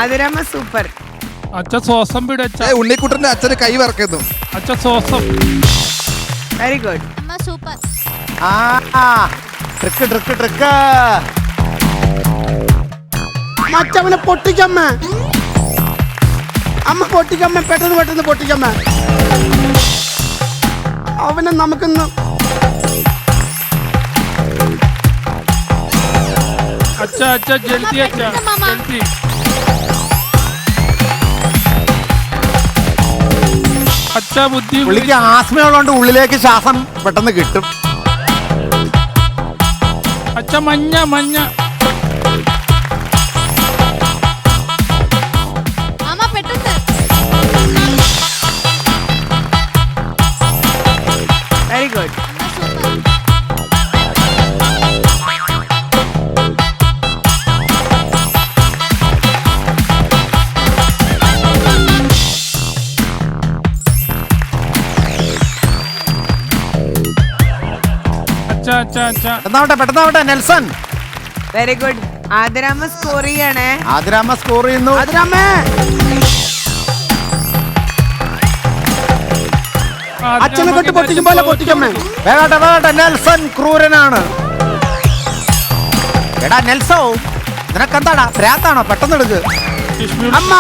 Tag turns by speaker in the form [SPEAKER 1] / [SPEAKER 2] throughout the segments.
[SPEAKER 1] ആതിരാമ്മ super.
[SPEAKER 2] അച്ഛ ശ്വാസം പിടിച്ച
[SPEAKER 3] ഉണ്ണിക്കുട്ടന്റെ അച്ഛന് കൈ വറക്കുന്നു.
[SPEAKER 2] അച്ഛ ശ്വാസം.
[SPEAKER 1] Very good.
[SPEAKER 4] അമ്മ സൂപ്പർ.
[SPEAKER 5] ട്രിക്ക്
[SPEAKER 6] മറ്റവനെ പൊട്ടിക്കമ്മ. അമ്മ പൊട്ടിക്കമ്മ, പെട്ടെന്ന് പൊട്ടിക്കമ്മ. അവനെ നമുക്കൊന്ന്
[SPEAKER 2] അച്ഛ ജൽദി അച്ഛ ജൽദി. അച്ഛ ബുദ്ധി.
[SPEAKER 5] പുള്ളിക്ക് ആസ്മയുള്ളതുകൊണ്ട് ഉള്ളിലേക്ക് ശ്വാസം പെട്ടെന്ന് കിട്ടും.
[SPEAKER 2] അച്ഛ മഞ്ഞ
[SPEAKER 4] അമ്മ പെട്ടെന്ന്.
[SPEAKER 1] Very good.
[SPEAKER 4] അമ്മ സൂപ്പർ.
[SPEAKER 2] അച്ഛ
[SPEAKER 5] പെട്ടെന്നാവട്ടെ നെൽസൺ.
[SPEAKER 1] Very good. ആതിരാമ്മ സ്കോർ ചെയ്യണേ.
[SPEAKER 5] ആതിരാമ്മ സ്കോർ ചെയ്യുന്നു.
[SPEAKER 6] അതിരമ്മേ അച്ഛനെ കൊണ്ട് പൊട്ടിക്കും പോലെ പൊട്ടിക്കമ്മേ.
[SPEAKER 5] വേഗട്ടെ നെൽസൺ ക്രൂരനാണ്. എടാ നെൽസോ, നിനക്കെന്താടാ ഭ്രാന്താണോ? പെട്ടെന്ന് എടുക്ക്.
[SPEAKER 6] അമ്മ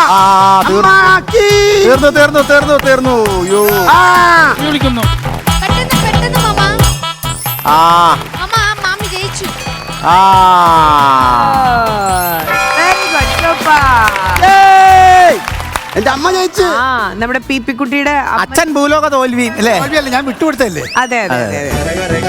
[SPEAKER 5] തീർന്നു.
[SPEAKER 2] വിളിക്കുന്നു.
[SPEAKER 4] പെട്ടെന്ന് മാമ.
[SPEAKER 5] ആ
[SPEAKER 4] അമ്മ മാമി ജയിച്ചു.
[SPEAKER 1] Very good. സൂപ്പർ.
[SPEAKER 6] എന്റെ അമ്മ ജയിച്ചു.
[SPEAKER 1] നമ്മുടെ പി പി കുട്ടിയുടെ
[SPEAKER 5] അച്ഛൻ ഭൂലോക തോൽവി അല്ലേ?
[SPEAKER 3] ഞാൻ വിട്ടുകൊടുത്തല്ലേ?
[SPEAKER 1] അതെ.